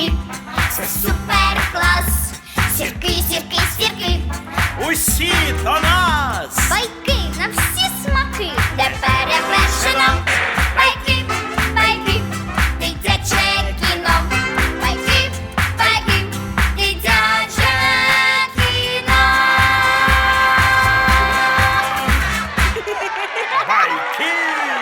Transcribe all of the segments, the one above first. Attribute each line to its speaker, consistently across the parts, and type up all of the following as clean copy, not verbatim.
Speaker 1: сірки, це супер клас. Сірки, сірки, сірки,
Speaker 2: Усі до нас!
Speaker 1: байки на всі смаки, де перевершено. Байки, байки, дитяче кіно. Байки, байки, дитяче кіно.
Speaker 2: Байки!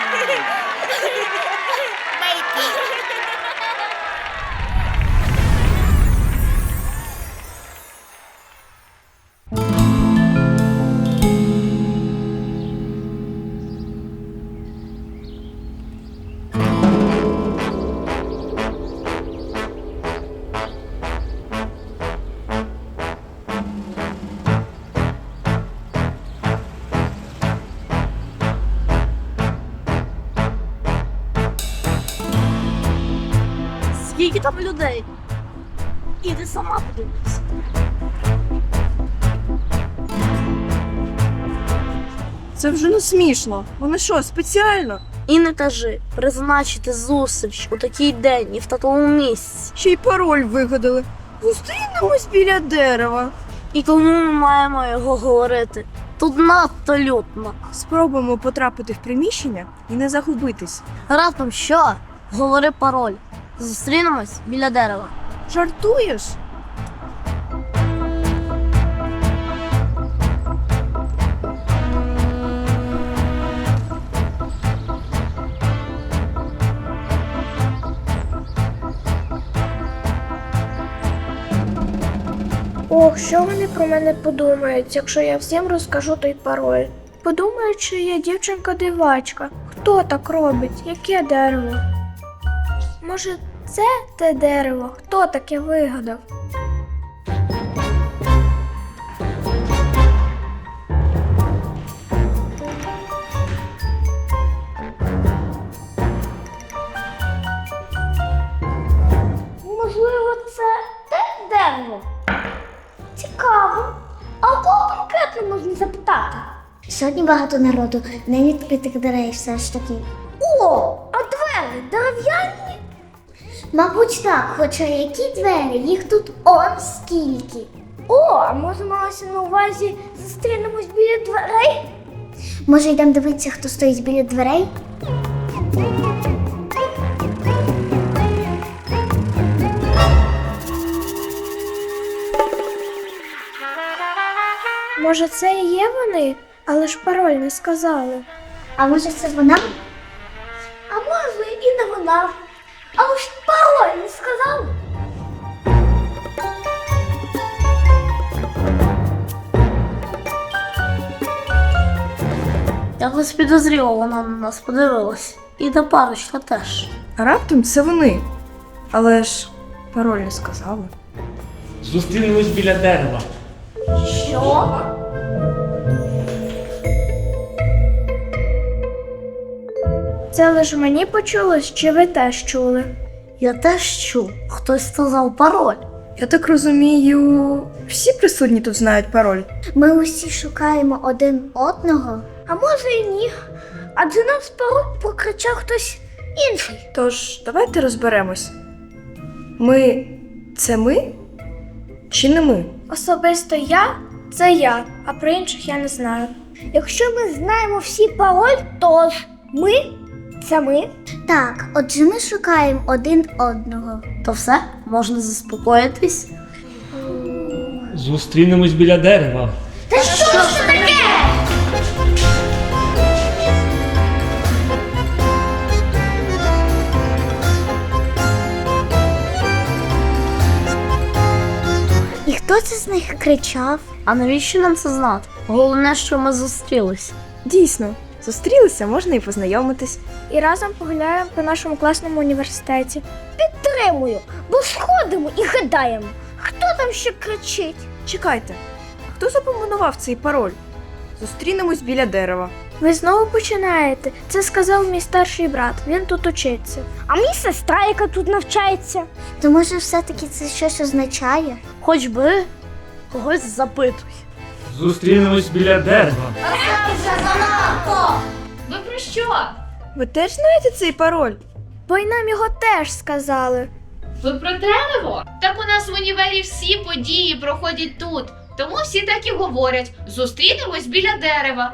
Speaker 3: Скільки там людей? Іди сама подивись.
Speaker 4: Це вже не смішно. Вони що, спеціально?
Speaker 3: І не кажи, призначити зустріч у такий день і в такому місці.
Speaker 4: Ще й пароль вигадали. Зустрінемось біля дерева.
Speaker 3: І кому ми маємо його говорити? Тут надто лютно.
Speaker 4: Спробуємо потрапити в приміщення і не загубитись.
Speaker 3: Раптом що? Говори пароль. Зустрінемось біля дерева.
Speaker 4: Жартуєш?
Speaker 5: Ох, що вони про мене подумають, якщо я всім розкажу той пароль? Подумають, що я дівчинка-дивачка. Хто так робить? Яке дерево? Може, це те дерево? Хто таке вигадав?
Speaker 1: Можливо, це те дерево? Цікаво. А у кого конкретно можна запитати?
Speaker 6: Сьогодні багато народу, не відкритих дверей все ж таки.
Speaker 1: О, а двері дерев'яні?
Speaker 6: Мабуть, так, хоча які двері, їх тут он скільки.
Speaker 1: О, а може малося на увазі зустрінемось біля дверей?
Speaker 6: Може, йдемо дивитися, хто стоїть біля дверей?
Speaker 5: Може, це і є вони? Але ж пароль не сказали.
Speaker 6: А може це вона?
Speaker 1: А може і не вона. Але ж пароль не сказав.
Speaker 3: Якось підозріло вона на нас подивилась. І до парочка теж.
Speaker 4: А раптом це вони. Але ж пароль не сказали.
Speaker 2: Зустрінемось біля дерева.
Speaker 1: Що?
Speaker 5: Це лише мені почулось, чи ви теж чули?
Speaker 3: Я теж чув, хтось сказав пароль.
Speaker 4: Я так розумію, всі присутні тут знають пароль.
Speaker 6: Ми усі шукаємо один одного.
Speaker 1: А може і ні. Адже нас пароль прокричав хтось інший.
Speaker 4: Тож, давайте розберемось. Ми це ми? Чи не ми?
Speaker 5: Особисто я це я, а про інших я не знаю.
Speaker 1: Якщо ми знаємо всі пароль, то ж ми це ми.
Speaker 6: Так, отже ми шукаємо один одного.
Speaker 3: То все, можна заспокоїтись.
Speaker 2: Зустрінемось біля дерева.
Speaker 1: Та що ж це таке?
Speaker 6: І хто це з них кричав?
Speaker 3: А навіщо нам це знати? Головне, що ми зустрілись.
Speaker 4: Дійсно, зустрілися, можна і познайомитись.
Speaker 5: І разом погуляємо по нашому класному університеті.
Speaker 1: Підтримую, бо сходимо і гадаємо, хто там ще кричить.
Speaker 4: Чекайте, а хто запропонував цей пароль? Зустрінемось біля дерева.
Speaker 5: Ви знову починаєте. Це сказав мій старший брат. Він тут учиться.
Speaker 1: А мій сестра, яка тут навчається.
Speaker 6: То може все-таки це щось означає?
Speaker 3: Хоч би когось запитуй.
Speaker 2: Зустрінемось біля дерева.
Speaker 1: Ви про що?
Speaker 4: Ви теж знаєте цей пароль?
Speaker 5: Бо й нам його теж сказали.
Speaker 7: Ви про дерево? Так у нас в універі всі події проходять тут. Тому всі так і говорять: зустрінемось біля дерева.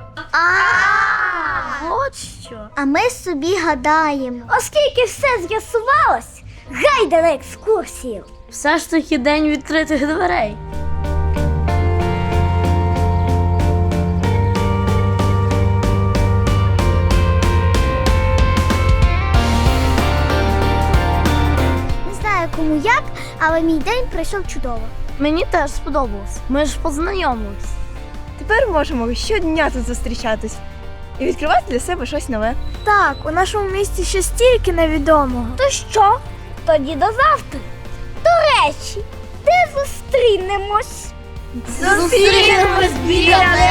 Speaker 3: От що.
Speaker 6: А ми собі гадаємо.
Speaker 1: Оскільки все з'ясувалось, гайда на екскурсію.
Speaker 3: Все ж таки день відкритих дверей.
Speaker 6: Не знаю кому як, але мій день пройшов чудово.
Speaker 3: Мені теж сподобалось. Ми ж познайомились.
Speaker 4: Тепер можемо щодня тут зустрічатись і відкривати для себе щось нове.
Speaker 5: Так, у нашому місті ще стільки невідомого.
Speaker 1: То що? Тоді до завтра. До речі, де зустрінемось?
Speaker 3: Зустрінемось біля